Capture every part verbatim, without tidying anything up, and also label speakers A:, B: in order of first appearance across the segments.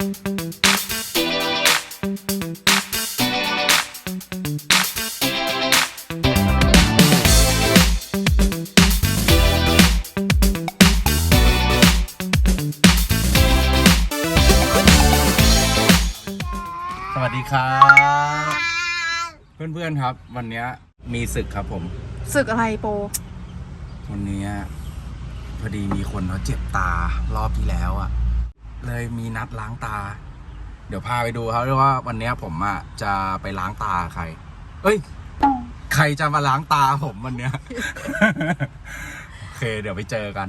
A: สวัสดีครับเพื่อนๆครับวันนี้มีศึกครับผม
B: ศึกอะไรโป
A: วันนี้พอดีมีคนเขาเจ็บตารอบที่แล้วอ่ะเลยมีนัดล้างตาเดี๋ยวพาไปดูครับว่าวันนี้ผมอ่ะจะไปล้างตาใครเอ้ยใครจะมาล้างตาผมวันนี้ โอเคเดี๋ยวไปเจอกัน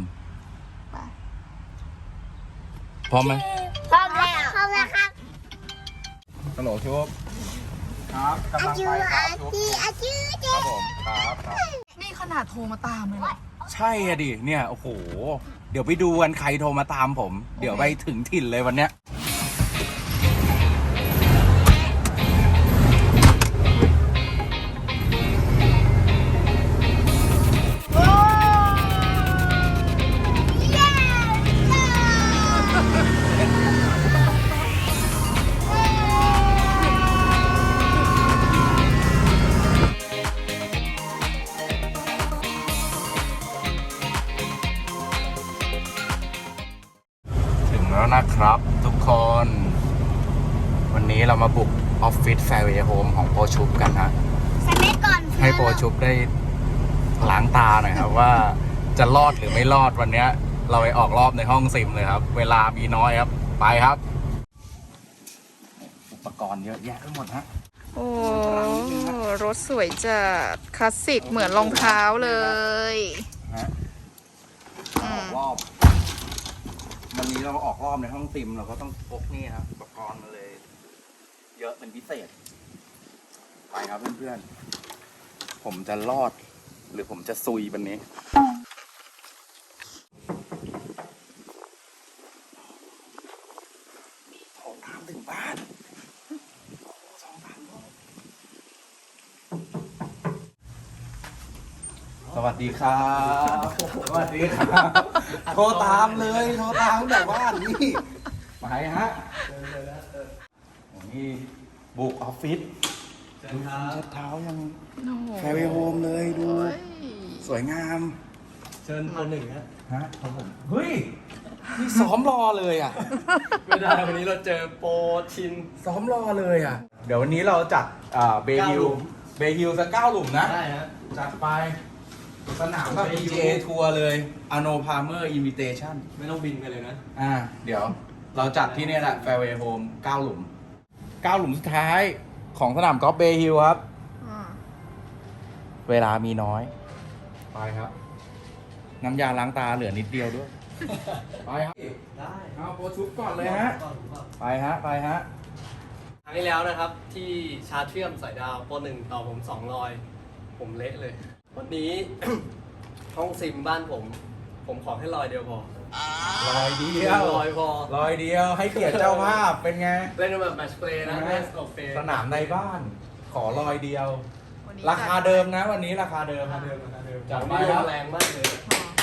A: พร้อมไหม
C: พร้อมแล้วพร้อมแล้วครับ
A: ฮัลโหลชุบครับกำลังไปครับชุบครับผมครับครับ
B: นี่ขนาดโทรมาตามเลยเหรอ
A: ใช่อะดิเนี่ยโอ้โหเดี๋ยวไปดูกันใครโทรมาตามผมเดี๋ยวไปถึงถิ่นเลยวันเนี้ยแล้วนะครับทุกคนวันนี้เรามาบุกออฟฟิศแฟร์เวย์โฮมของโปรชุบกันนะให้โปรชุบได้ล้างตาหน่อยครับว่าจะรอดหรือไม่รอดวันนี้เราไปออกรอบในห้องซิมเลยครับเวลามีน้อยครับไปครับอุปกรณ์เยอะแยะทั้งหมดฮะ
B: โอ้รถสวยจัดคลาสสิกเหมือนรองเท้าเลย
A: ฮะออกรอบวันนี้เราออกรอบในห้องซิมเราก็ต้องพกนี่ครับอุปกรณ์มาเลยเยอะเป็นพิเศษไปครับเพื่อนๆผมจะรอดหรือผมจะซุยวันนี้โทรตามถึงบ้านสองพันสวัสดีครับสวัสดีครับโทรตามเลยโทรตามแต่บ้านนี่ไปฮะนี่บุกออฟฟิศดูเช็ดเท้ายังแฟร์เวย์โฮมเลยดูสวยงาม
D: เชิญมาหนึ่งฮะ
A: ฮะครับผมเฮ้ยนี่ซ้อมรอเลยอ่ะ
D: ไม่ได้วันนี้เราเจอโปรชิน
A: ซ้อมรอเลยอ่ะเดี๋ยววันนี้เราจัดเบฮิลเบฮิลสักเก้าหลุมนะ
D: ได้ฮะ
A: จัดไปสนามแบบ พี จี เอ ทัวร์เลยอโนพาเมอร์อินวิเทชั่น
D: ไม่ต้องบินไปเลยนะ
A: อ่าเดี๋ยวเราจัดที่นี่แหละแฟร์เวย์โฮมเก้าหลุมเก้าหลุมสุดท้ายของสนามกอล์ฟเบฮิลครับเวลามีน้อยไปครับน้ำยาล้างตาเหลือนิดเดียวด้วยไปครับ
D: ได้
A: เอาโปรชุบก่อนเลยฮะไปฮะไปฮะ
D: ครั้งที่แล้วนะครับที่ชาร์จเชื่อมสายดาวโปรหนึ่งต่อผมสองรอยผมเละเลยวันนี้ ห้องซิมบ้านผมผมขอแค่รอยเดียวพอ
A: รอยเดียว
D: รอยพอ
A: รอยเดียวให้เกียรติเจ้าภาพเป็นไง
D: เล่นแบบแมตช์เพลย์นะแมตช์อเฟ
A: สนามในบ้านขอรอยเดียวราคาเดิมนะวันนี้ราคาเดิม
D: ราคาเดิมราคาเดิม
A: จัดไป
D: ครับแรงมากเลย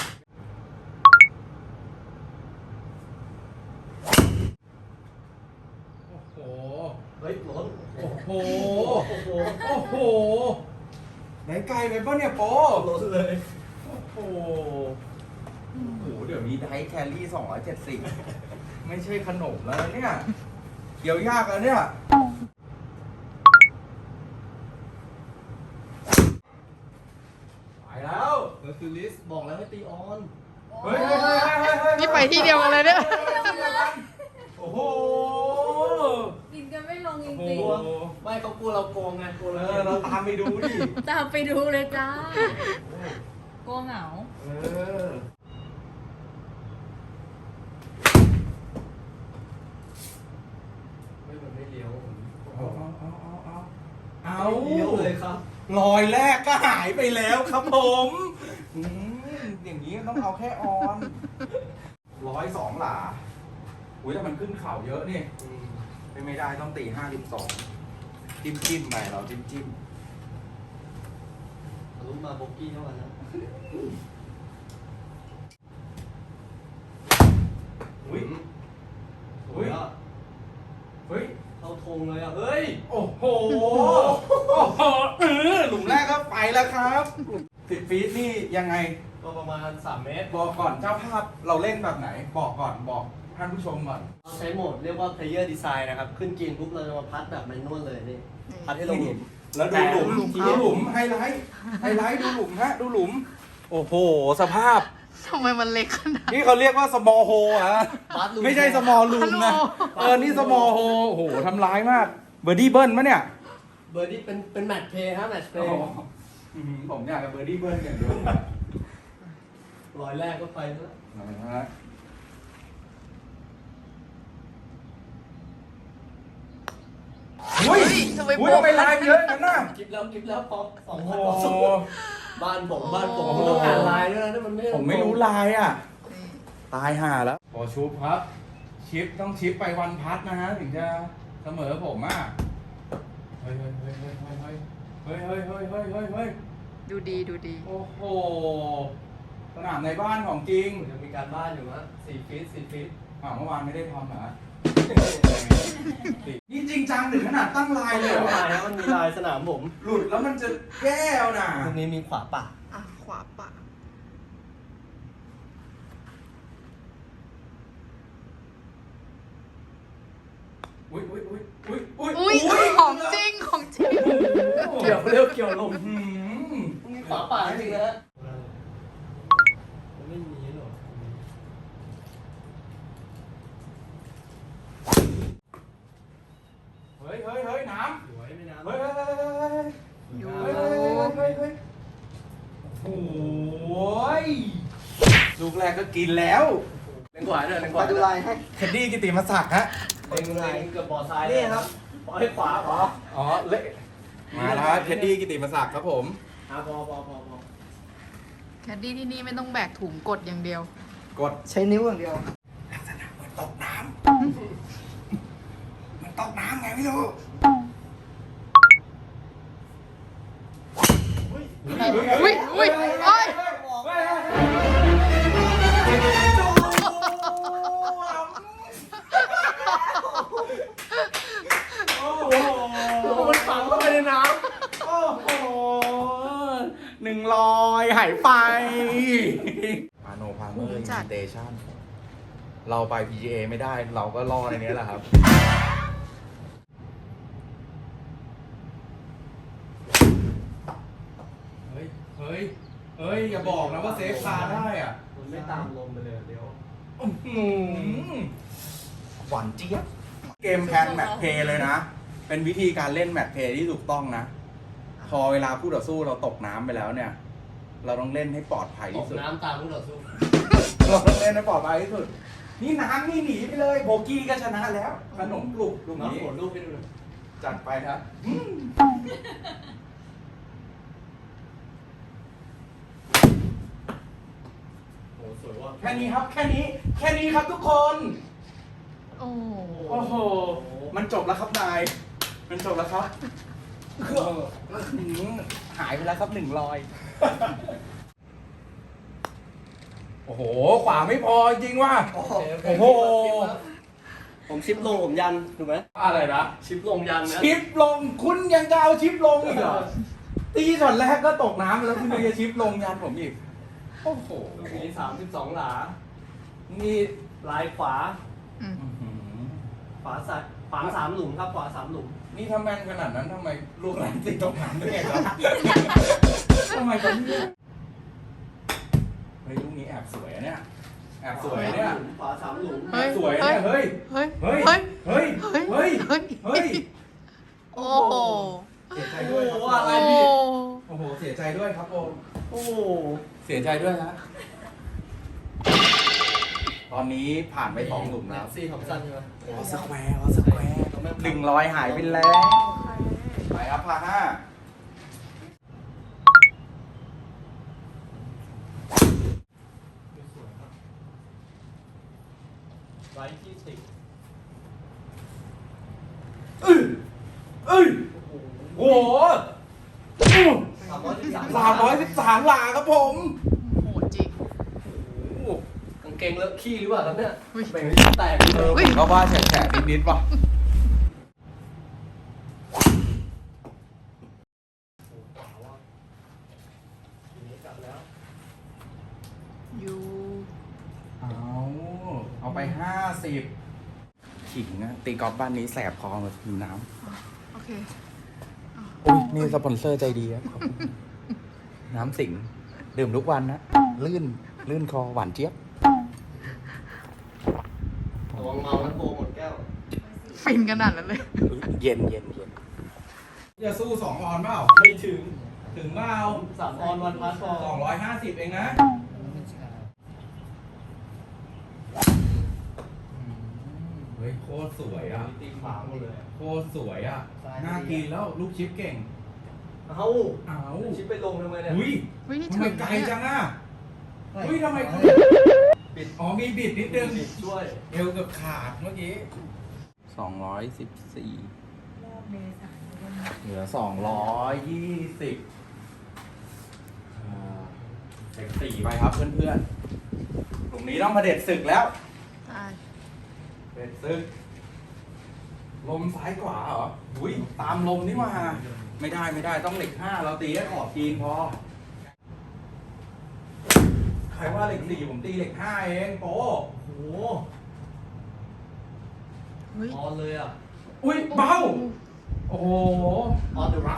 A: โอ้โห
D: เฮ้ยล้น
A: โอ้โหโอ้โหโอ้โหไหนไกลไปป่ะเนี่ยโป
D: ล้นเลย
A: โอ้โหโอ้โหเดี๋ยวนี้ไดแคลรี่สองร้อยเจ็ดสิบไม่ใช่ขนมแล้วเนี่ยเดี๋ยวยากแล้วเนี่ยไปแล้ว
D: เฮอร์คิวลิสบอกแล้วให้ตีออน
A: เฮ้ยเฮ้ยเฮ้ยเฮ้ยเฮ้ย
B: นี่ไปที่เดียวกันเลยเนี่ย
A: โอ้โห
C: กินกันไม่ลงจริง
D: ๆไม่เขากลัวเราโกงไงกลัวเรา
A: เราตามไปดูดิ
C: ตามไปดูเลยจ้าโกงเหงา
A: เออ
D: ไม่มันไม่เลี้ยว
A: เอาเอาเอาเอาเอา
D: เลี้ยวเลยครับ
A: รอยแรกก็หายไปแล้วครับผมอย่างนี้ต้องเอาแค่ออนร้อยสองหลาอุ้ยแต่มันขึ้นเข่าเยอะนี่ไม่ได้ต้องตีห้าสิบสองจิ้มจิ้มไปเราจิ้มจิ้ม
D: ลุ้นมาโบกี้เท่านั้นนะ
A: อุ้ยอุ้ย
D: งเลยอ่ะ เฮ้ย
A: โอ้โห โอ้โหเออหลุมแรกก็ไปแล้วครับสิบฟีตนี่ยังไง
D: ก็ประมาณสามเมตร
A: บอกก่อนเจ้าภาพเราเล่นแบบไหน บอกก่อนบอกท่านผู้ชมก่อน
D: เราใช้โหมดเรียกว่า player design นะครับ ขึ้นกินปุ๊บเราจะมาพัดแบบแมนนวลเลยนี่ พัดให้ลงหลุม
A: แล้วดูหลุม
B: หลุม
A: ดูหลุมไฮไลท์ไฮไลท์ดูหลุมฮะดูหลุม โอ้โห สภาพ
B: ทำไมมันเล็กขนาด
A: นี่เขาเรียกว่า small hole อะ
D: พัดหลุ
A: ไม่ใช่ small room นะ เออ นี่ small hole โอ้โหทำร้ายมาก เบอร์ดี้เบิ้ลมะเนี่ย
D: เบอร์ดี้เป็นเป็นแมตช์เพย์ฮะแมตช์เพ
A: โอ้
D: ย์
A: โหอื้อหือผมอยากกับเบอร์ดี้เบิ้ลอย่างเดียว
D: ร้อยแรกก็ไปแล้ว
A: นะฮะอุ้ย
B: ทำไม
A: อุ้ย
B: โป๊ะ
A: ทำไมลายเยอะกันน่ะ
D: คลิปแล้วคลิปแล้วพอสอง
A: โอ้
D: พัน
A: โห
D: กว่าบ้านผมบ้านผมผมต้องอ่านไลน์ด้วยนะนี่มันไม่
A: ผมไม่รู้ลายอ่ะ ตายห่าแล้วพอชุบครับ ชิปต้องชิปไปวันพัดนะฮะ ถึงจะเสมอผมอ่ะ เฮ้ยเฮ้ยเฮ้ยเฮ้ยเฮ้ยเฮ้ยเฮ้ยเฮ้ยเฮ้ยเฮ้ยเฮ้ย
B: ดูดีดูดี
A: โอ้โห สนามในบ้านของจริง
D: ผมจะมีการบ้านอยู่ฮะสี่ฟีตสี่ฟีต
A: อ่าเมื่อวานไม่ได้ทำเหรอ นี่จริงจังถึงขนาดตั้งลายเลยเหรอ
D: ลายนะมันมีลายสนามผม
A: หลุดแล้วมันจะแก้วน่ะ
D: ตรงนี้มีขวาป่า
B: อ่ะ ขวาปะ
A: อุ้ยอุ้ยอุ้ยอุ้ยอุ้ย
B: อุ้ยของจริงของจริง
D: เกี่ยวเร็วเกี่ยวลง
A: หืม
D: มีขวาป่าจริงนะฮะไม่มีหรอก
A: เฮ้ยเฮ้ยเฮ้ยน้
D: สวยไม่น้ำ
A: ำเฮ้ยเฮ้ยเฮ้ยเฮ้ย
B: อยู่
A: เฮ้ยเฮ้ยเฮ้ยเฮ้ยโอ้ยลูกแรกก็กินแล้ว
D: เล็งขวาด้วยเล็งขวา
E: มาดูลายให้
A: เคนดี้กิติมศักดิ์ฮะ
D: เล็งเล็งเกือบบ่อทรายนี่ครับปล่อยขวาขอ
A: อ๋อเละมาแล้วครับเคนดี้กิติมศักดิ์ครับผม
D: อ่ะพอพอพอพอ
B: แคดดี้ที่นี่ไม่ต้องแบกถุงกดอย่างเดียว
A: กด
E: ใช้นิ้วอย่างเดียว
A: ลักษณะเหมือนตกน้ำมันตกน้ำไงไม่รู้
B: อุ้ยอุ้ยเอ้ย
A: โอ้โห
D: มันฝังเข้าไปในน้
A: โอ้โหหนึ่งลอยหายไปพาโนพาเมอร์อินเตชันเราไป พี จี เอ ไม่ได้ เราก็รอในนี้แหละครับ เฮ้ย เฮ้ย เฮ้ย อย่าบอกนะว่าเซฟคาได้อ่ะ
D: ำมันไม่ตามลมไปเลยเดี๋ยว
A: อื้อหือหวานเจี๊ยบ เกมแพนแมตช์เพลย์เลยนะ เป็นวิธีการเล่นแมตช์เพลย์ที่ถูกต้องนะ พอเวลาคู่ต่อสู้เราตกน้ำไปแล้วเนี่ย เราต้องเล่นให้ปลอดภัย
D: ต
A: ที่
D: ก
A: สุด
D: น้ำตามผู้ต่อสู้
A: เราต้องเล่นให้ปลอดภัยที่สุด นี่น้ำนี่หนีไปเลย โบกี้ก็ชนะแล้ว ขนมปลุกลูก
D: น้อง
A: นี้
D: โหดรูปให้ดูหน่อย
A: จัดไปครับอืม
D: โอ้สวยว่ะ
A: แค่นี้ครับ แค่นี้ แค่นี้ครับทุกคน
B: โอ้
A: โอ้โห มันจบแล้วครับนาย มันจบแล้วครับหืมหายไปแล้วครับหนึ่งรอย โอ้โห ขวาไม่พอจริงว่ะ
D: โอ้
A: โอ้โห
D: ผมชิปลงผมยันถูกไหม
A: อะไรนะ
D: ชิปลงยันนะ
A: ชิปลง คุณยังจะเอาชิปลงอีกเหรอ ตีช็อตแรกก็ตกน้ำแล้วคุณยังจะชิปลงยันผมอีก โอ้โห
D: ลูกนี้สามสิบสองหลา
A: นี่
D: ลายขวา
B: อืม
A: อื้อหือ
D: ขวาสัตขวาสามหลุมครับขวาสามหลุม
A: นี่ถ้าแม่นขนาดนั้นทำไมลูกหลานติดตกน้ำด้วยครับ ทำไมกันเนี่ยเฮ้ยลูกนี้แอบสวยอะเนี่ย แอบสวยอะเนี่ย
D: ขวาสามหลุม
A: แอบสวยอะเนี่ย เฮ้ย
B: เฮ้ย
A: เฮ้ย
B: เฮ้ย
A: เฮ้ย เฮ้ย
B: เฮ้ย
A: เฮ้ย
B: โอ้โห
A: เสียใจด้วยครับ
D: โอ้โหอะไร
B: โอ้
D: พี่
A: โอ้โห เสียใจด้วยครับโอม
D: โอ้โห
A: เสียใจด้วยนะ ตอนนี้ผ่านไปสองหลุมแล้ว
D: ซี่ของสั้นใช่ไหม
A: ออสแควร์ออสแควร์หนึ่งร้อยหายไปแล้ว ไปครับพาห้า
D: ไว้ที่สิบ
A: เอ้ยเอ้ยโอ้โห
D: สามร้อยสิบสาม
A: สามร้อยสิบสามหลาครับผม
B: โหดจริง
D: กางเกงเลอะขี้หรือเปล่าครับเนี่ย
B: อุ๊ย
D: แบ่งให้แตก
A: เออผมก็ว่าแฉะๆนิดๆป่ะ
B: อยู่
A: เอาเอาไปห้าสิบขิงนะตีกอล์ฟบ้านนี้แสบคอแบบหิวน้
B: โอเค
A: ำอุ้ยนี่สปอนเซอร์ใจดีครับขอบคุณน้ำสิงดื่มทุกวันนะ ลื่น ลื่นคอหวานเจี๊ยบ
D: ระวังเมาแล้วโบหมดแก้ว
B: ฟินขนาดนั้นเลย
A: เย็นเย็นเย็นจะสู้สองออนเปล่า
D: ไม่ถึง
A: ถึงเปล่า
D: สามออนวันพัสพอ
A: สองร้อยห้าสิบเองนะ เฮ้ย โคตรสวยอ่ะ
D: ตีขวาหมดเลย
A: โคตรสวยอ่ะ น่ากินแล้วลูกชิปเก่ง
D: เอ้า
A: เอา
D: ชิปไปลงทำไมเนี่ย
A: อุ้ย
B: อุ้ยนี่
A: ทำไม
B: ถึง
A: ไกล
B: เนี่ย
A: จังอ่ะอุ้ยทำไมคุณ
D: ปิด
A: อ๋อมีบิดนิดนึง
D: ปิดช่วย
A: เอวเกือบขาดเมื่อกี้สองร้อยสิบสี่เหลือสองร้อยยี่สิบเซ็กสี่ไปครับเพื่อนๆกลุ่มนี้ต้องมาเด็ดศึกแล้ว
B: ใช่
A: เด็ดซึกลมซ้ายขวาเหรอ อุ้ยตามลมนี่มา ไม่ได้ไม่ได้ต้องเหล็กห้าเราตีให้ขอบจีนพอ ใครว่าเหล็กสี่ผมตีเหล็กห้าเองโป
D: โอ้โห
B: เฮ้ย
D: ออนเลยอ่ะ
A: อุ้ยเบา โอ้โห
D: ออนเดอะรัก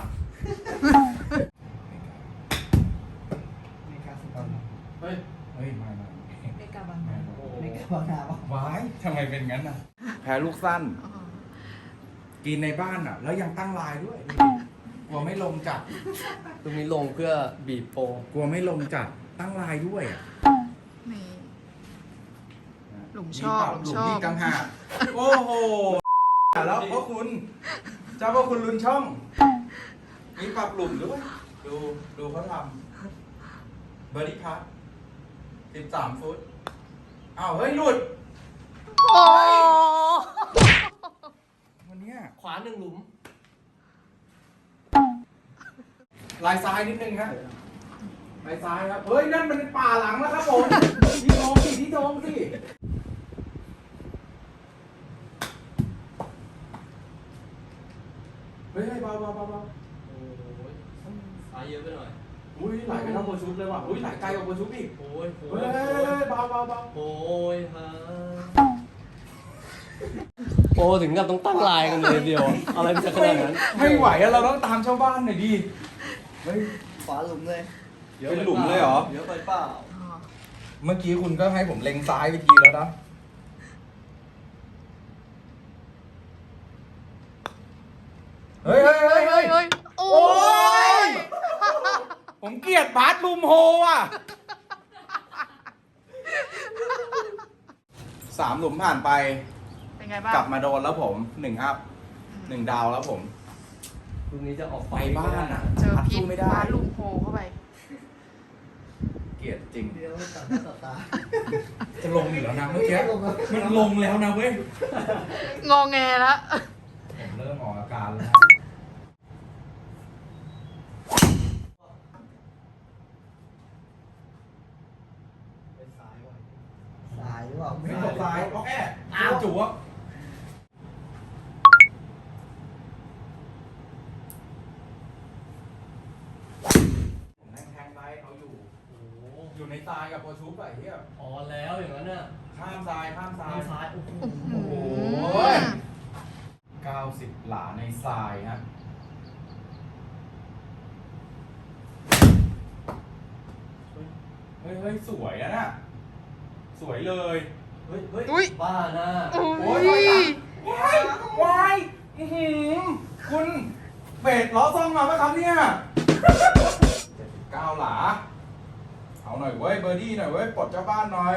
A: เฮ้ย เฮ้ยไม่ไม่
C: ไม่กลับบ้าน
A: ไม่
D: โอ้โห
C: ไม่กลับบ้านนะ
A: ว้ายทำไมเป็นงั้นน่ะ แพ้ลูกสั้น
B: อ๋อ
A: กินในบ้านอ่ะ แล้วยังตั้งลายด้วย กลัวไม่ลงจัด
D: ตรงนี้ลงเพื่อบีบโปร
A: กลัวไม่ลงจัด ตั้งลายด้วยอะ
B: นี่ หลุมช
A: มี
B: อบ
A: ปรับ
B: หลุม
A: หลุ
B: ช
A: ม
B: อบ
A: นี่กังหากโอ้โห แล้วพ่อคุณ เจ้าพ่อคุณลุนช่อง มีปรับหลุมด้วย ดู ดูเขาทำเบอร์ดี้พัทสิบสามฟุต อ้าว เฮ้ย หลุด
B: โอ้
A: วันเนี้ย
D: ขวาหนึ่งหลุม
A: ลายซ้ายนิดนึงครับลายซ้ายครับ เฮ้ย นั่นมันป่าหลังแล้วครับผม ที่โดงสิที่โดงสิ เฮ้ยเบาเบาเบาเบา
D: โอ้ยซ้ายเยอะไปหน่อย
A: อุ้ยไหลไปทั้งโบชุดเลยว่ะ อุ้ยไหลไกลกว่าโบชุดอีก
D: โอ้ยโอ้
A: เฮ้
D: ย
A: ยเบาเบาเบา
D: โอ้ยฮะโอ้ถึงกับต้องตั้งลายกันเลยเดียว อะไรมันจะขนาดนั้น
A: ไม่ไหวอะเราต้องตามชาวบ้านหน่อยดิ เฮ้ย
C: ฝาหลุมเลย
A: เป็นหลุมเลยเหรอ
D: เยอะไปเปล่า
B: อ๋อ
A: เมื่อกี้คุณก็ให้ผมเล็งซ้ายไปทีแล้วนะ เฮ้ยเฮ้ยเฮ้ย
B: เฮ้
A: เฮ้
B: ย
A: ย
B: เฮ้ยโอ้
A: โอ้ย
B: ย
A: ผมเกลียดบาสลูมโฮอ่ะ สามหลุมผ่านไป
B: เป็นไงบ้าง
A: กลับมาโดนแล้วผมหนึ่งอัพหนึ่งดาวแล้วผม
D: ลูกนี้จะออก
A: ไปบ้านอ่ะ
B: เจอ
A: พัด
B: พิษ
A: สู้ไม่ได้
B: ฟ้าลุมโพเข้าไป
A: เกลียดจริง
C: เดี๋ยวต่อหน้าต่อตา
A: จะลงอยู่แล้วนะเมื่อกี้มันลงแล้วนะเว้ย
B: งอแงแล้ว
A: ผมเริ่มออกอาการแล้ว
D: ไปซ้ายไว้
C: สายหรือเปล่า
A: ไม่ตกซ้ายโอเคอ้าวจุ๊บผมแทงแทงไปเขาอยู่
D: โอ้โห
A: อยู่ในทรายกับโปรชูปไอ้เหี้ย
D: ออนแล้วอย่างนั้นน่ะ
A: ข้ามทรายข้ามทราย
D: ซ้ายซ้าย โอ้โห
A: โอ้โหเก้าสิบหลาในทรายฮะเฮ้ยเฮ้ยสวยอะน่ะ สวยเลย
D: เฮ้ย เฮ้ย
B: อุ๊ย
D: บ้าหน้า
B: โอ้
A: โอ้ย
B: ย
A: วายวายอื้อหือคุณเบสล้อซ่องมาไหมครับเนี่ยเจ็ดสิบเก้าหลา เอาหน่อยเว้ยเบอร์ดี้หน่อยเว้ยปลดเจ้าบ้านหน่อย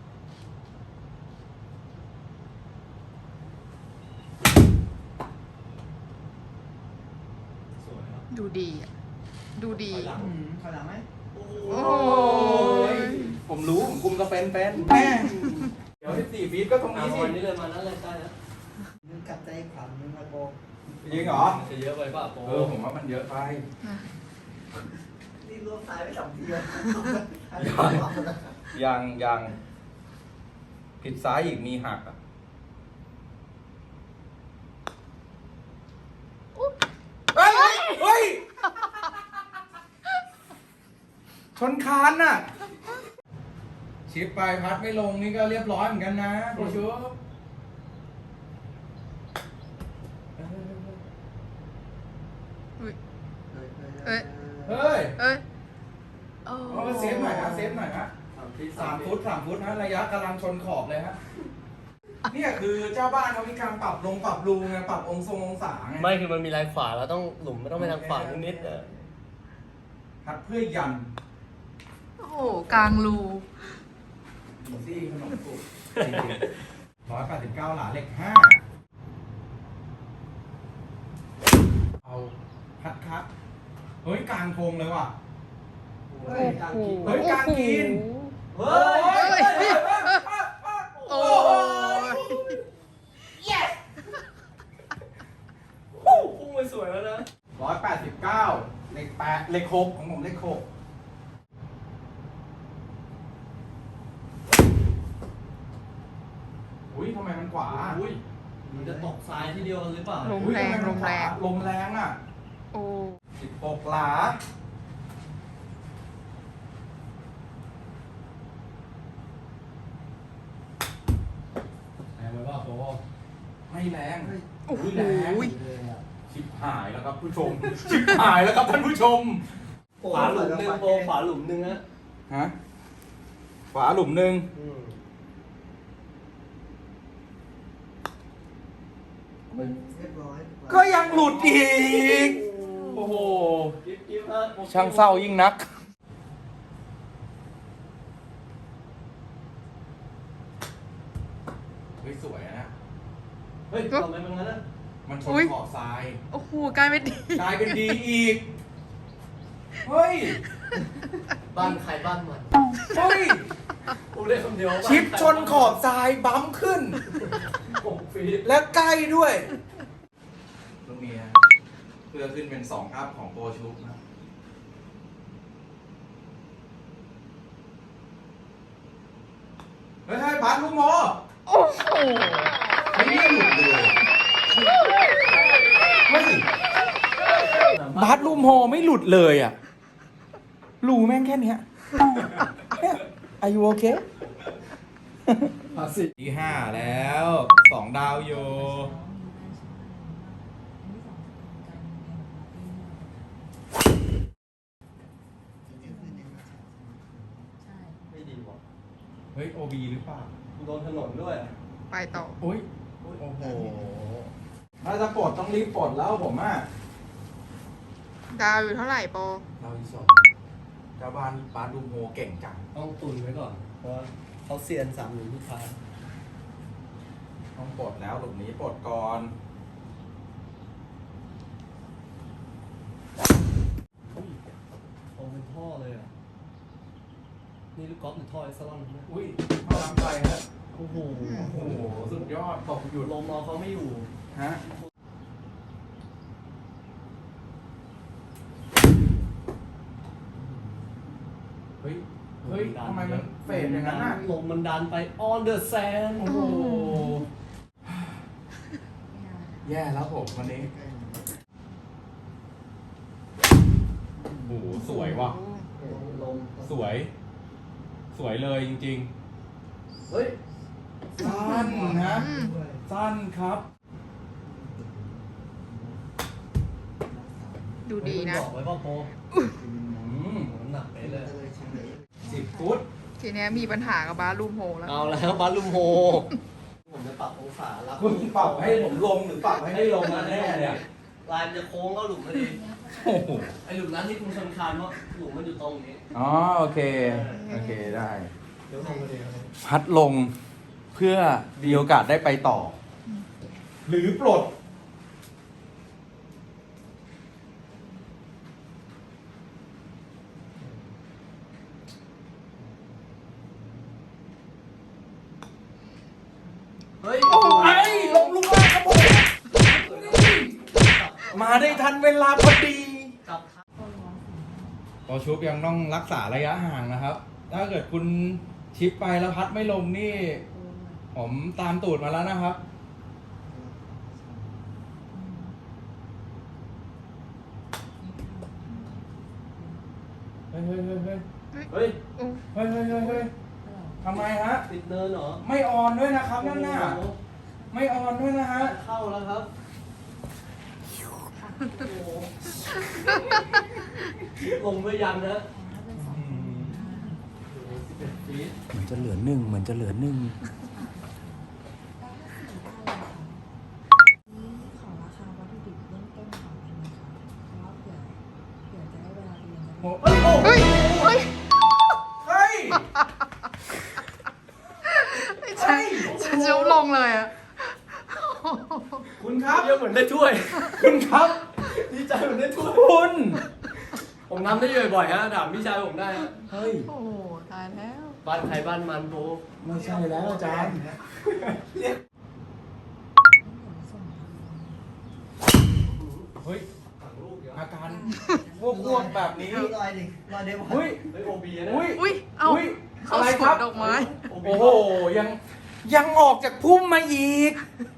D: สวยครับ
B: ดูดีอะดูดี
D: ถอยหลัง
C: อืมขนาดไหม
D: โอ้
B: โอ้
A: ย ผมรู้ ผมคุมกระเป็นเป็นแม่เดี๋ยวสิบสี่ฟีตก็ตรง
D: เอา
A: นี้สิ
D: วันนี้เลยมานั่นเลยได้แล้ว
C: มึงกลับใจขวัญมึงมาโก
A: จริงเหรอ
D: จะเยอะไปเปล่าโป
A: เออ ผมว่ามันเยอะไป
C: นี่รวมสายไปสองทีเลย
A: ยังยังผิดซ้ายอีกมีหักอ่ะ เฮ้ย เฮ้ย ชนคานน่ะชิปไปพัดไม่ลงนี่ก็เรียบร้อยเหมือนกันนะโปรชูบ
B: อุ๊ยเอ้ย
A: เฮ้ย
B: เอ้ยโอ้
A: เอาเซฟหน่อยนะเซฟหน่อยนะ
D: สามที่
A: สามฟุตสามฟุตนะระยะกำลังชนขอบเลยฮะเนี่ยคือเจ้าบ้านเขามีการปรับลงปรับรูไงปรับองศงองศาไง
D: ไม่คือมันมีลายขวาแล้วต้องหลุมไม่ต้องไปทางขวานิดๆเออ
A: พัดเพื่อยัน
B: โอ้โหกลางรู
A: อีซี่ขนมปุกร้อยแปดสิบเก้าหลาเหล็กห้าเอาพัดครับเฮ้ยกลางโพงเลยว่ะ
D: เฮ้ยกลางกิน
A: เฮ้ยกลางกิน
D: เฮ้ย
B: โอ้ย
D: พุ่งไปสวยแล้วนะ
A: ร้อยแปดสิบเก้าเหล็กแปดเหล็กหกของผมเหล็กหกอุ้ยทำไมมันขวา
D: อุ้ยมันจะตกซ้ายทีเดียวกันหรือเปล่า
B: ลม
A: อุ๊ย
B: แรง
A: ทำไม
B: ล
A: มัน
B: ม
A: ขวา
B: แรง
A: ลมแรงอ่ะ
B: โอ้
A: สิบหกหลาแรงไหมว่าโฟไม่แรง
B: โอ้โห
A: แรงชิบหายแล้วครับผู้ชม ชิบหายแล้วครับท่านผู้ชม
D: ขวาหลุมหนึ่งโบขวาหลุมหนึ่งฮะ
A: ฮะขวาหลุมหนึ่ง
D: อืม
A: ก็ยังหลุดอีก โอ้โห
D: กิ๊บกิ๊บฮะ
A: ช่างเศร้ายิ่งนัก เฮ้ยสวยนะ
D: เฮ้ยทำไมมันงั้นนะ
A: มันชนขอบทราย
B: โอ้โหกลายเป็นดี
A: กลายเป็นดีอีก เฮ้ย
D: บ้านใครบ้านมัน
A: เฮ้ย
D: พูดได้คำเดียวว่า
A: ชิปชนขอบทรายบั๊มขึ้น
D: หกฟีต
A: และใกล้ด้วยตรงนี้ฮะเพื่อขึ้นเป็นสองอัพของโปรชุบนะ เฮ้ยเฮ้ยบาสลูกโม
B: โอ้โห
A: ไม่ได้หลุดเลยเฮ้ยบาสลูกโมไม่หลุดเลยอ่ะรูแม่งแค่เนี้ยเนี่ยอายุโอเคภาษีที่ห้าแล้วสองดาวอยู่
D: ไม่ดีว่ะ
A: เฮ้ย โอ บี หรือเปล่า
D: โดนถนนด้วย
B: ไปต่อ
A: โอ้ย โอ้โห ถ้าจะปลดต้องรีบปลดแล้วผมอ่ะ
B: ดาวอยู่เท่าไหร่ปอ
A: เราอีสองเจ้าบ้านบาสลูกโมเก่งจัง
D: ต้องตุนไว้ก่อน เพราะว่าเขาเซียนสามหลุมทุกทาง
A: ต้องปลดแล้วหลุมนี้ปลดก่อน
D: โอ้เป็นท่อเลยอ่ะ นี่ลูกกอล์ฟหรือท่อไอซ์ลอนนะ
A: อุ้ยพลังใจฮะ
D: โอ้โห
A: โอ้โห สุดยอดตกหยุด
D: ลมเอาเขาไม่อยู่
A: ฮะ เฮ้ย เฮ้ย ทำไมมันเฟดอย่างนั้นน่ะ
D: ลมมันดันไป on the sand
A: โอ้โห แย่แล้วผมวันนี้ โอ้โห สวยว่ะ
D: ลม
A: สวย สวยเลยจริง
D: เฮ้ย
A: ๆ สั้นนะ
B: อืม
A: สั้นครับ
B: ดูดีนะ
D: บอกไว้ป่ะโป
A: อืม
D: น้ำหนักไปเลย
A: สิบฟุต
B: ทีเนี้ยมีปัญหากับบาสลูมโฮแล้ว
D: เอาแล้วบาลุมโฮ ผมจะปรับองศารับ
A: คุณปรับให้ผมลงหรือปรับให้ไม่ลงมาแน่เนี่ย
D: ลายมันจะโค้งเข้าหลุมพอดี
A: โอ้โห
D: ไอหลุมนั้นที่คุณชนคานเพราะหลุมมันอยู่ตรงนี้
A: อ๋อ โอเค โอเคได้
D: เดี๋ยวลงพอดีครับ
A: พัดลงเพื่อมีโอกาสได้ไปต่อ หรือปลด
D: เฮ้ย
A: ไอ้ลงลูกแรกครับผมมาได้ทันเวลาพอดี
D: กลับ
A: พอชุบยังต้องรักษาระยะห่างนะครับ ถ้าเกิดคุณชิปไปแล้วพัดไม่ลงนี่ ผมตามตูดมาแล้วนะครับ เฮ้ยเฮ้ยเฮ้ยเฮ้ย
D: เฮ้ย
B: โอ้
A: เฮ้ยเฮ้ยเฮ้ยเฮ้ยททำไมฮะ
D: ติดเนินเหรอ
A: ไม่ออนด้วยนะครับนั่นน่ะ
D: โอ้โห
A: ไม่ออนด้วยนะฮะ
D: เข้าแล้วครับโอ้โหลงไปยังนะสิบเอ็ดฟีต
A: เหมือนจะเหลือหนึ่งเหมือนจะเหลือหนึ่ง
E: นี่ขอราคาวัตถุดิบเริ่มต้นก่อนได้ไหมคะเพราะว่าเผื่อเผื่อจะได้เวลาเรียนจะได้
A: เฮ้ยโอ้
B: เฮ้ย เฮ้ย
A: เฮ้ย
B: ฉันฉันจะลงเลยอะ
A: คุณครับ
D: เยอะเหมือนได้ถ้วย
A: คุณครับ
D: ดีใจเหมือนได้ถ้วย
A: คุณ
D: ผมทำได้บ่อยๆฮะถามพี่ชายผมได้ฮะ
A: เฮ้ย
B: โอ้โหตายแล้ว
D: บ้านใครบ้านมันโบ
A: ไม่ใช่แล้วอาจารย์ เฮ้ย
D: ฝั่งลูกเดี๋ยว
A: อาการพวกพวกแบบนี้
F: ลอยดิลอยเดี๋ยว
A: เฮ้ย
D: เฮ้ยโอบีนะ
A: อุ้ย
B: อุ้ย เอ้า
A: อุ้ย
B: เขา
A: อะไร
B: ส
A: คว รั
B: น
A: บ
B: ดอกไม้
A: โอ้โห ยัง ยังออกจากพุ่มมาอีก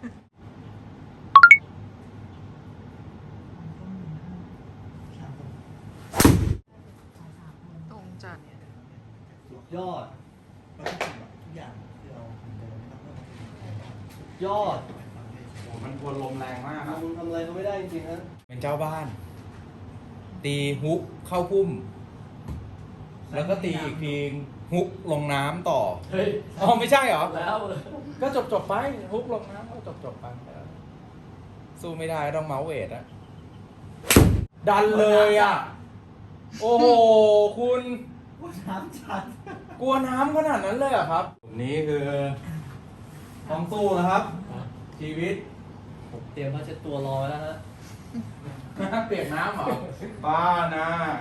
B: ตรงจัด
D: สุดยอด
F: ทุกอย่างที่เราทำเดินนะครับ
D: ยอด
A: โอ้มันทวนลมแรงมากครับ
D: ทำทำอะไรเขาไม่ได้จริงๆฮะ
A: เป็นเจ้าบ้าน ตีฮุกเข้าพุ่ม แล้วก็ตีอีกทีฮุกลงน้ำต่อ
D: เฮ้ย
A: อ๋อไม่ใช่เหรอ
D: แล้ว
A: ก็จบจบๆไปฮุกลงน้ำก็จบจบๆไปสู้ไม่ได้ต้องเมาส์เวทอะดันเลยอะโอ้โห คุณ
F: ว่าน้ำชัด
A: กลัวน้ำขนาดนั้นเลยเหรอครับผมนี้คือต้องสู้นะครับ ชีวิต
D: ผมเตรียมผ้าเช็ดตัวรอไว้แล้วฮะ
A: เปียกน้ำเหรอ บ้านะ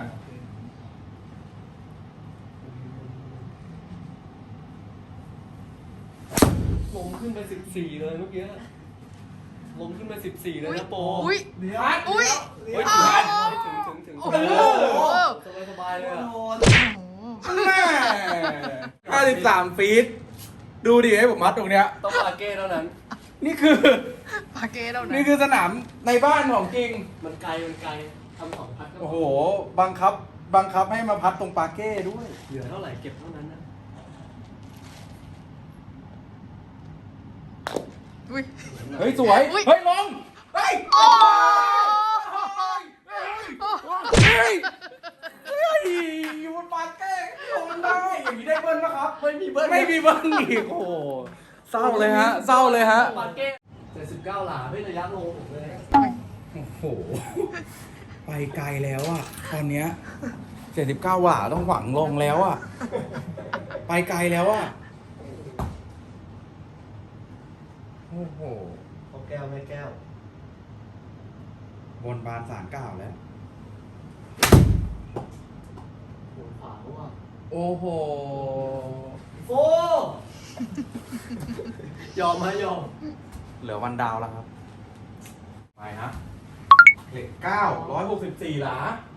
D: ลงขึ้นไปสิบสี่เลยเมื่อกี้ลงขึ้นไปสิบสี่เลย
B: อุ้ย
D: นะโป
B: อุ้ย
F: เดี๋ยว
B: อุ้ย
D: เฮ้ย
B: อ้าว
D: ถึงถึงถึง
B: โอ้
D: ถึง
B: โห
D: สบายสบายๆเลยอะ
F: โดน
B: โอ้โห
A: แม่ห้าสิบสามฟีต ดูดิให้ผมมัดตรงเนี้ย
D: ต้องปาเก้เท่านั้น
A: นี่คือ
B: ปาเก้แล้วนะ
A: นี่คือสนามในบ้านของจริง
D: มันไกลมันไกลทำสองพัดก็พ
A: โอ้โห บังคับ บังคับให้มาพัดตรงปาเก้ด้วย
D: เหลือเท่าไหร่เก็บเท่านั้นนะ
B: อุ้ย
A: เฮ้ย สวย
B: อุ๊ย
A: เฮ้ย ลง เฮ้ย
B: โอ้
A: เฮ้ย เฮ้ยอยู่บนปาเก้ลงได้ อย่างนี้ได้เบิ้ลนะครับ
D: ไม่มีเบิ้ล
A: ไม่มีเบิ้ลอีก โอ้โห เศร้าเลยฮะ เศร้าเลยฮะ
D: ปาเก้เจ็ดสิบเก้าหลาไม่ระยะลงผมเลย
A: โอ้โห ไปไกลแล้วอะตอนเนี้ยเจ็ดสิบเก้าหว่าต้องหวังลงแล้วอะไปไกลแล้วอะโอ้โห
F: เอาแก้วไม่แก้ว
A: บนบานสารกล่าวแล้ว
D: โหนขวาว่ะ
A: โอ้โห
D: โฟยอมไหมยอม
A: เหลือวันดาวแล้วครับ ไปฮะเหล็กเก้าร้อยหกสิบสี่หลา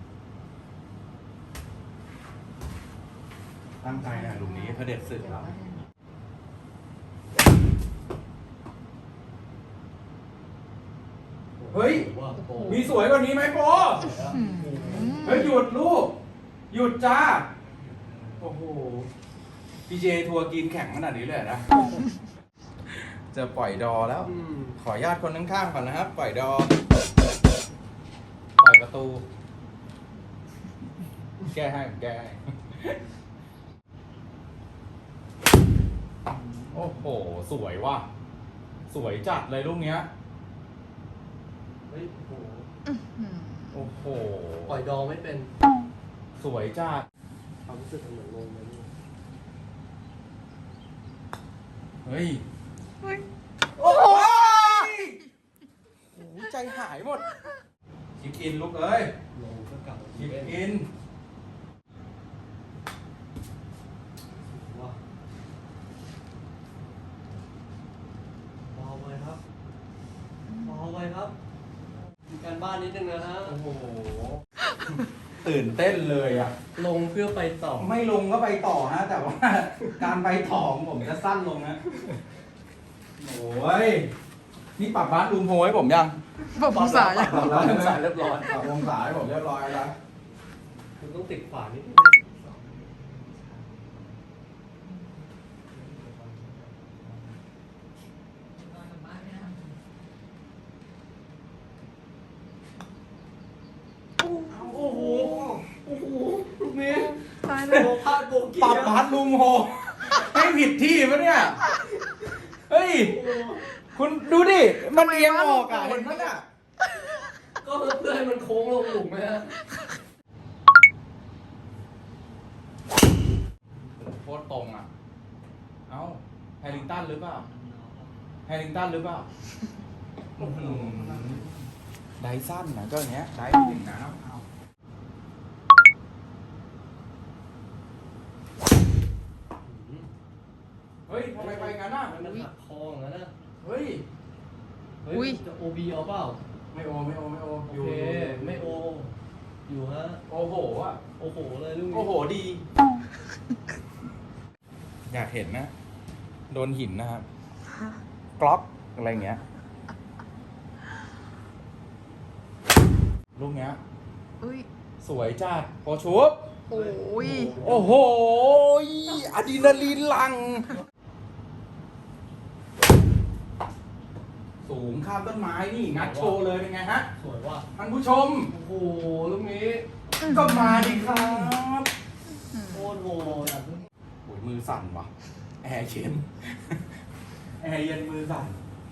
A: ตั้งใจนะหลุมนี้เผด็จศึกแล้ว เฮ้ย
D: ว่าโป
A: มีสวยกว่านี้ไหมโปเฮ้ย หยุดลูก หยุดจ้า โอ้โห พี เจ ทัวร์กินแข่งขนาดนี้เลยนะ จะปล่อยดอแล้ว
D: อืม
A: ขออนุญาตคนข้างๆก่อนนะครับ ปล่อยดอ ปล่อยประตู แก้ให้ผมแก้ให้ โอ้โห สวยว่ะ สวยจัดเลยลูกเนี้ย
D: เฮ้ยโอ้โห
B: อืม
A: โอ้โห
D: ปล่อยดองไม่เป็น
A: สวยจัด
D: ความรู้สึกมันเหมือนลงเลยนี่
A: เฮ้ย
B: เฮ้ย
A: โอ้ยโอ้โหใจหายหมดชิปอินลูกเอ้ย
D: ลงก็กลับมา
A: ชิป
D: เป็น
A: อิน
D: ว้าเบาไปครับเบาไปครับมีการบ้านนิดนึงนะฮะ
A: โอ้โห ตื่นเต้นเลยอ่ะ
D: ลงเพื่อไปต่อ
A: ไม่ลงก็ไปต่อฮะ แต่ว่า การไปต่อของผมจะสั้นลงนะ โอ้ย นี่ปรับบาสรูมโฮให้ผมยัง
B: บอกภาษาอย่าง
A: ปรับแล้ว
D: องศาเรียบร้อย
A: ปรับองศาให้ผมเรียบร้อยแล้ว
D: คุณต้องติดขวานิดนึงโบกี้
A: ปรับพัดลุงโฮให้ผิดที่ปะเนี่ย เฮ้ย คุณดูดิ มันเอียงออกอ่ะ เห็นไหมอ่ะ
D: ก็เพื่อให้มันโค้งลงหลุมไหมฮะ
A: โคตรตรงอ่ะ เอ้า แฮร์ริงตันหรือเปล่า แฮร์ริงตันหรือเปล่าไดสั้นนะก็อย่างเงี้ย ไดไม่ถึงน้ำเอาเฮ้ยทำไมไปงั้นอ่ะ
D: มันหักคออย่างนั้นนะ
A: เฮ้ย
D: เฮ้ยจะโอบีเอาเปล่า
A: ไม่โอ ไม่โอ ไม่โอ
D: โอเค ไม่โอ อยู่ฮะ
A: โอ้โหอ่ะ
D: โอ้โหเลยลูกนี้
A: โอ้โหดี อยากเห็นนะ โดนหินนะครับ กล็อกอะไรเงี้ย ลูกเนี้ย
B: อุ้ย
A: สวยจัดโอชุบ
B: โอ้ย
A: โอ้โหอะดรีนาลีนหลัง สูงข้ามต้นไม้นี่งัดโชว์เลยเป็นไงฮะ
D: สวยว่ะ
A: ท่านผู้ชม
D: โอ้โหลูกนี้
A: ก็มาดิครับ
D: โคตรโหดอ่ะ
A: โอ้ยมือสั่นว่ะ แอร์เย็น แอร์เย็นมือสั่น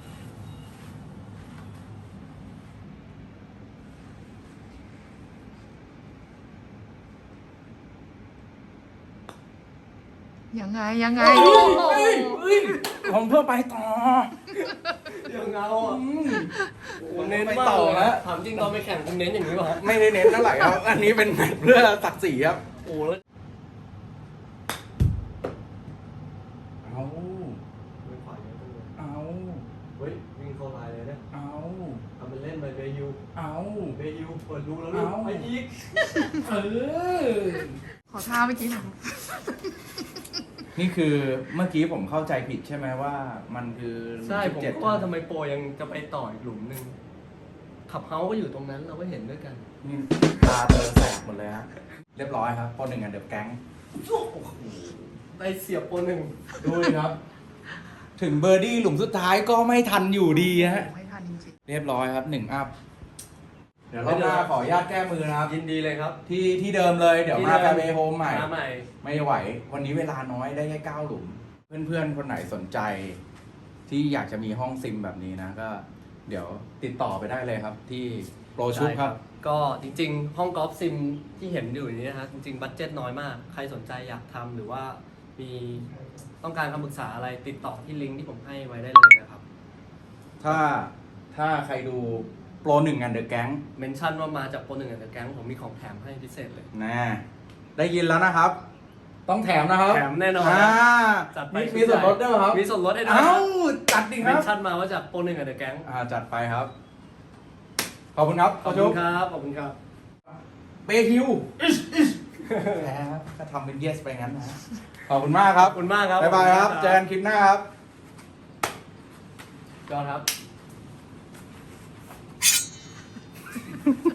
B: ยังไงยังไง
A: เฮ้ย
B: โอ้โห
A: เฮ้ยเฮ้ยผมเพื่อไปต่อ
D: เดี๋ยวเงาอ่ะ
A: อืม
D: ผมเน้น
A: ไป
D: มาก
A: ต่อ
D: เลย
A: ฮะ
D: ถามจริงตอนไปแข่งคุณเน้นอย่างนี้ป่ะฮะ
A: ไม่ได้เน้นเท่าไหร่ครับ อันนี้เป็นแมตช์เพื่อศักดิ์ศรีครับ
D: โอ้แล้ว
A: เอา
D: ไม่ขวาเยอะจังเลย
A: เอา
D: เฮ้ยวิ่งเข้าลายเลยเนี่ย
A: เอา
D: ทำเป็นเล่นไปเบยู
A: เอา
D: เบยูเปิดรูแล้วลูก
A: เอา
D: ไปอีก
A: เออ
B: ขอท่าเมื่อกี้หน่อย
A: นี่คือเมื่อกี้ผมเข้าใจผิดใช่ไหมว่ามันคือ
D: ใช่ผม
A: สิบเจ็ด
D: ก็ว่าทำไมโปรยังจะไปต่ออีกหลุมหนึ่งขับเฮาส์ก็อยู่ตรงนั้นเราก็เห็นด้วยกัน
A: นี่ตาเธอแสบหมดเลยฮะ เรียบร้อยครับปหนึ่งอันเดอร์แก๊ง
D: ได้เสียบโปรหนึ่ง
A: ดูเลยครับ ถึงเบอร์ดี้หลุมสุดท้ายก็ไม่ทันอยู่ดีฮะ
B: ไม่ทันจริง
A: เรียบร้อยครับหนึ่งอัพ เดี๋ยวรอบหน้าขออนุญาตแก้มือนะครับ
D: ยินดีเลยครับ
A: ที่ที่เดิมเลย เดี๋ยวมาแฟร์เวย์โฮมใหม่
D: มาใหม่
A: ไม่ไหว วันนี้เวลาน้อยได้แค่เก้าหลุม เพื่อนๆ คนไหนสนใจ ที่อยากจะมีห้องซิมแบบนี้นะ ก็ เดี๋ยวติดต่อไปได้เลยครับ ที่โปรชุบครับ
D: ก็จริงๆ ห้องกอล์ฟซิมที่เห็นอยู่นี้นะฮะจริงๆ บัตเจ็ตน้อยมาก ใครสนใจอยากทำหรือว่ามีต้องการคำปรึกษาอะไรติดต่อที่ลิงก์ที่ผมให้ไว้ได้เลยนะครับ
A: ถ้าถ้าใครดูโปรหนึ่งอันเดอร์แก๊ง
D: เมนชั่นว่ามาจากโปรหนึ่งอันเดอร์แก๊งผมมีของแถมให้พิเศษเลย
A: นะได้ยินแล้วนะครับ ต้องแถมนะครับ
D: แถมแน่นอน
A: อ่า
D: จัดไป
A: มีมีส่วนลดด้วยเหรอครับ
D: มีส่วนลดให้ด้วย
A: เอ้าจัดดิค
D: เม
A: รั
D: น
A: บ
D: ชั่นมาว่าจากโปรหนึ่งอันเดอร์แก๊ง
A: อ่าจัดไปครับ ขอบคุณครับ
D: ขอบ
A: โปร
D: คุ
A: ชุบ
D: ณครับขอบคุณครับ
A: เปฮิวแพ้ครับก็ทำเป็นเยสไปงั้นนะ ขอบคุณมากครับ
D: ขอบคุณมากครับ
A: บ๊ายบายครับ เจอกันคลิปหน้าครับ
D: จอห์นครับ